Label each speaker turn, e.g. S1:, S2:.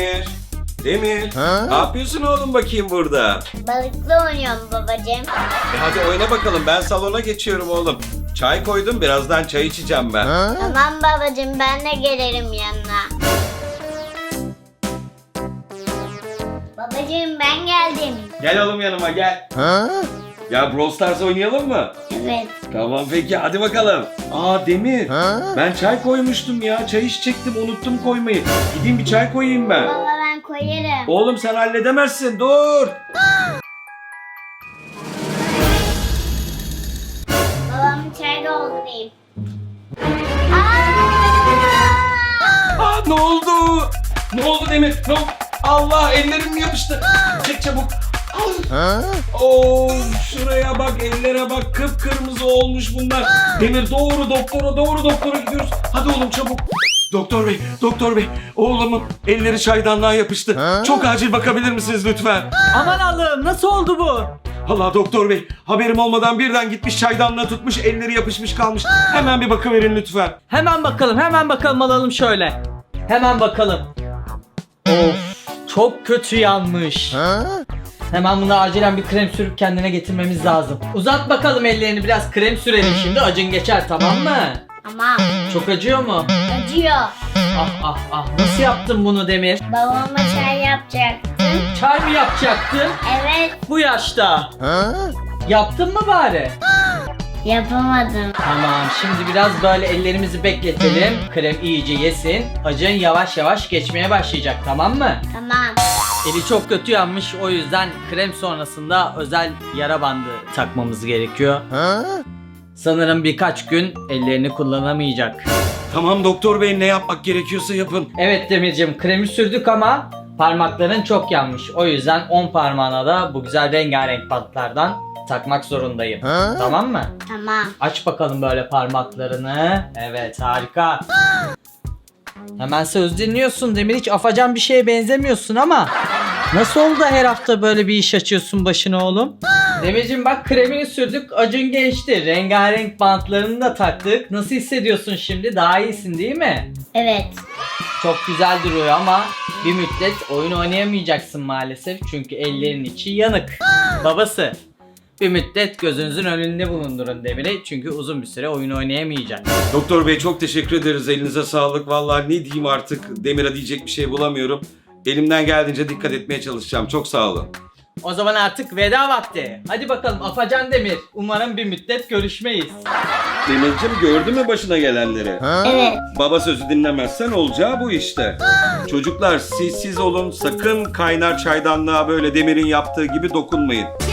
S1: Demir. Demir. Ne yapıyorsun oğlum bakayım burada?
S2: Balıkla oynuyorum babacığım.
S1: Hadi oyna bakalım. Ben salona geçiyorum oğlum. Çay koydum. Birazdan çay içeceğim ben.
S2: Tamam babacığım, ben de gelirim yanına. Babacığım ben geldim.
S1: Gel oğlum yanıma gel. Ya Brawl Stars oynayalım mı?
S2: Evet.
S1: Tamam peki hadi bakalım. Aa Demir. Ben çay koymuştum ya. Çay içecektim, unuttum koymayı. Gideyim bir çay koyayım ben.
S2: Baba ben koyarım.
S1: Oğlum sen halledemezsin. Dur.
S2: Babamı çay doldurayım.
S1: Aa ne oldu? Ne oldu Demir? Ne oldu? Allah ellerim yapıştı. Çek çabuk. Oo, şuraya bak, ellere bak, kıpkırmızı olmuş bunlar. Demir doğru doktora gidiyoruz. Hadi oğlum çabuk. Doktor bey, oğlumun elleri çaydanlığa yapıştı. Çok acil bakabilir misiniz lütfen?
S3: Aman Allah'ım, nasıl oldu bu?
S1: Allah doktor bey, haberim olmadan birden gitmiş çaydanlığa tutmuş, elleri yapışmış kalmış. Hemen bir bakıverin lütfen.
S3: Hemen bakalım alalım şöyle. Hemen bakalım. Of, çok kötü yanmış. Hemen buna acilen bir krem sürüp kendine getirmemiz lazım. Uzat bakalım ellerini, biraz krem sürelim şimdi, acın geçer, tamam mı?
S2: Tamam.
S3: Çok acıyor mu?
S2: Acıyor.
S3: Ah, nasıl yaptın bunu Demir?
S2: Babama çay yapacaktım.
S3: Çay mı yapacaktın?
S2: Evet.
S3: Bu yaşta. Yaptın mı bari?
S2: Yapamadım.
S3: Tamam, şimdi biraz böyle ellerimizi bekletelim. Krem iyice yesin. Acın yavaş yavaş geçmeye başlayacak, tamam mı?
S2: Tamam.
S3: Eli çok kötü yanmış, o yüzden krem sonrasında özel yara bandı takmamız gerekiyor. Sanırım birkaç gün ellerini kullanamayacak.
S1: Tamam doktor bey, ne yapmak gerekiyorsa yapın.
S3: Evet Demircim, kremi sürdük ama parmakların çok yanmış. O yüzden 10 parmağına da bu güzel rengarenk bantlardan takmak zorundayım. Tamam mı?
S2: Tamam.
S3: Aç bakalım böyle parmaklarını. Evet, harika. Hemen söz dinliyorsun Demir, hiç afacan bir şeye benzemiyorsun ama nasıl oldu da her hafta böyle bir iş açıyorsun başına oğlum? Demircim bak, kremini sürdük, acın geçti, rengarenk bantlarını da taktık. Nasıl hissediyorsun şimdi? Daha iyisin değil mi?
S2: Evet.
S3: Çok güzel duruyor ama bir müddet oyun oynayamayacaksın maalesef, çünkü ellerin içi yanık. Babası, bir müddet gözünüzün önünde bulundurun Demir'i, çünkü uzun bir süre oyun oynayamayacak.
S1: Doktor bey çok teşekkür ederiz. Elinize sağlık. Vallahi ne diyeyim artık. Demir'e diyecek bir şey bulamıyorum. Elimden geldiğince dikkat etmeye çalışacağım. Çok sağ olun.
S3: O zaman artık veda vakti. Hadi bakalım Afacan Demir. Umarım bir müddet görüşmeyiz.
S1: Demircim gördün mü başına gelenleri?
S2: Evet.
S1: Baba sözü dinlemezsen olacağı bu işte. Çocuklar siz olun. Sakın kaynar çaydanlığa böyle Demir'in yaptığı gibi dokunmayın.